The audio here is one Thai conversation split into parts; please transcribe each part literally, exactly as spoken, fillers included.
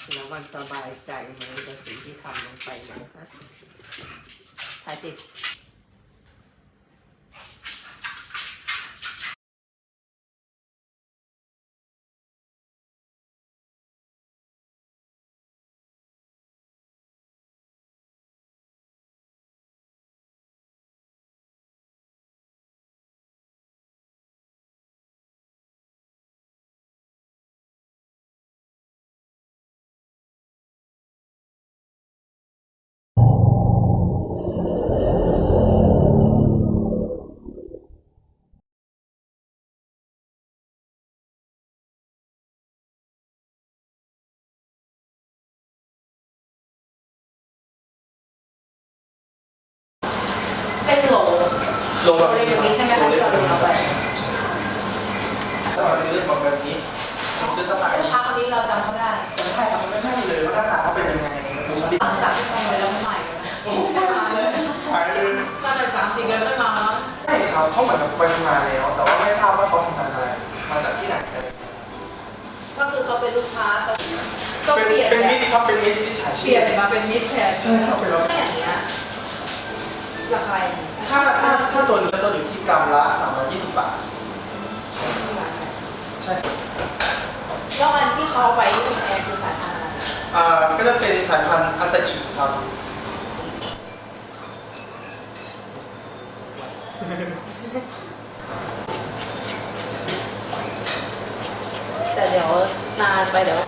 แล้วมันสบายใจไหมกับสิ่งที่ทำลงไปนะคะถ่ายสิเป็นโหลโลแบบโหลอย่างนี้ใช่ไหมคะที่เราดูเอาไปจะมาซื้อแบบแบบนี้ซื้อสไตล์ลูกค้าคนนี้เราจำเขาได้จำได้ครับมันไม่ใช่เลยว่าหน้าตาเขาเป็นยังไงดูเขาดิหลังจากที่ทำไปแล้วใหม่เลยนะมาเลยหายเลยตั้งแต่สามสี่เดือนไม่มาแล้วใช่ครับเขาเหมือนกับไปทำงานแล้วแต่ว่าไม่ทราบว่าเขาทำงานอะไรมาจากที่ไหนกันก็คือเขาเป็นลูกค้าก็เป็นเปลี่ยนเป็นมิตรครับเป็นมิตรมิจฉาเปชีลี่ยพนมาเป็นมิตรแทนใช่ครับเป็นเราอย่างเงี้ยราคาอย่างเงี้ยถ้าถ้าถ้าตัวนี้ตัวอยู่ที่กรัมละสามร้อยยี่สิบบาทใช่ใช่ครับแล้วอันที่เขาไปที่คุณแอร์คือสายพันธุ์อะไรอ่าก็จะเป็นสายพันธุ์อาซาอิครับแต่เดี๋ยวนานไปเดี๋ยว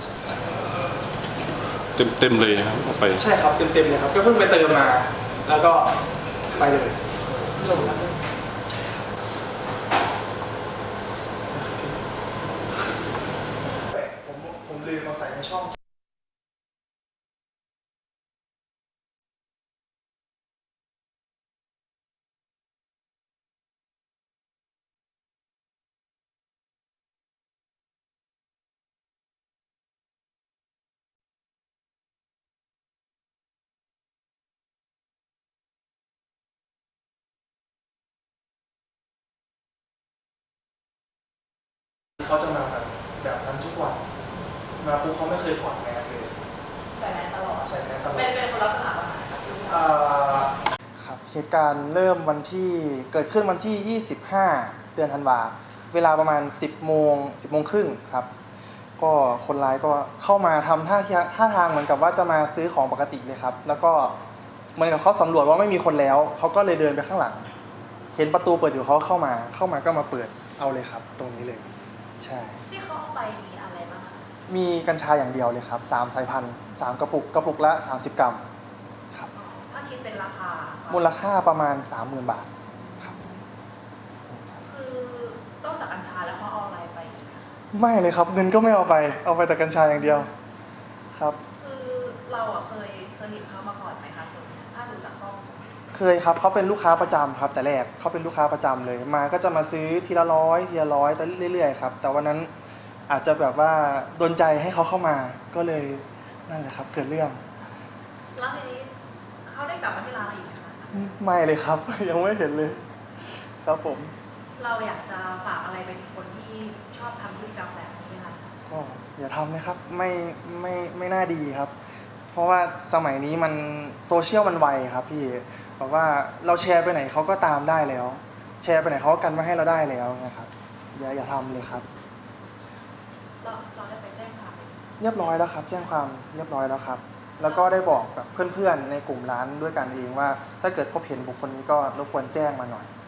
เต็มเต็มเลยนะครับออกไปใช่ครับเต็มเต็มเลยครับก็เพิ่งไปเติมมาแล้วก็ไปเลยลงแล้วใช่ครับผมผมลืมมาใส่ในช่องเขาจะมาแบบแบบนั้นทุกวันมาปุ๊บเขาไม่เคยถอดแมสเลยใส่แมสตลอดใส่แมสตลอดเป็นเป็นคนลักษณะประมาณไหนครับอ่าครับเหตุการณ์เริ่มวันที่เกิดขึ้นวันที่ยี่สิบห้าเดือนธันวาเวลาประมาณสิบโมงสิบโมงครึ่งครับก็คนร้ายก็เข้ามาทำท่าท่าทางเหมือนกับว่าจะมาซื้อของปกติเลยครับแล้วก็เหมือนกับเขาสำรวจว่าไม่มีคนแล้วเขาก็เลยเดินไปข้างหลังเห็นประตูเปิดอยู่เขาเข้ามาเข้ามาก็มาเปิดเอาเลยครับตรงนี้เลยใช่ที่เขาเอาไปมีอะไรบ้างคะมีกัญชาอย่างเดียวเลยครับสามสายพันธุ์สามกระปุกกระปุกละสามสิบกรัมครับถ้าคิดเป็นราคามูลค่าประมาณ สามหมื่น บาทครับคือนอกจากกัญชาแล้วเขาเอาอะไรไปอีกคะไม่เลยครับเงินก็ไม่เอาไปเอาไปแต่กัญชาอย่างเดียวครับคือเราอ่ะเคยเคยเห็นเขามาก่อนไหมคะคนนี้ถ้าดูจากกล้องเคยครับเขาเป็นลูกค้าประจำครับแต่แรกเขาเป็นลูกค้าประจำเลยมาก็จะมาซื้อทีละร้อยทีละร้อยแต่เรื่อยๆครับแต่วันนั้นอาจจะแบบว่าโดนใจให้เขาเข้ามาก็เลยนั่นแหละครับเกิดเรื่องแล้วทีนี้เขาได้กลับมาที่ร้านเราอีกไหมคะไม่เลยครับ ยังไม่เห็นเลยครับผมเราอยากจะฝากอะไรไปถึงคนที่ชอบทำพฤติกรรมแบบนี้ไหมคะก็อย่าทำนะครับไม่ไม่ไม่น่าดีครับเพราะว่าสมัยนี้มันโซเชียลมันไวครับพี่แบบว่าเราแชร์ไปไหนเขาก็ตามได้แล้วแชร์ไปไหนเขาก็กันมาให้เราได้แล้วนะครับอย่าอย่าทำเลยครับเราเราได้ไปแจ้งความเรียบร้อยแล้วครับแจ้งความเรียบร้อยแล้วครับแล้วก็ได้บอกแบบเพื่อนๆในกลุ่มร้านด้วยกันเองว่าถ้าเกิดพบเห็นบุคคลนี้ก็รบกวนแจ้งมาหน่อย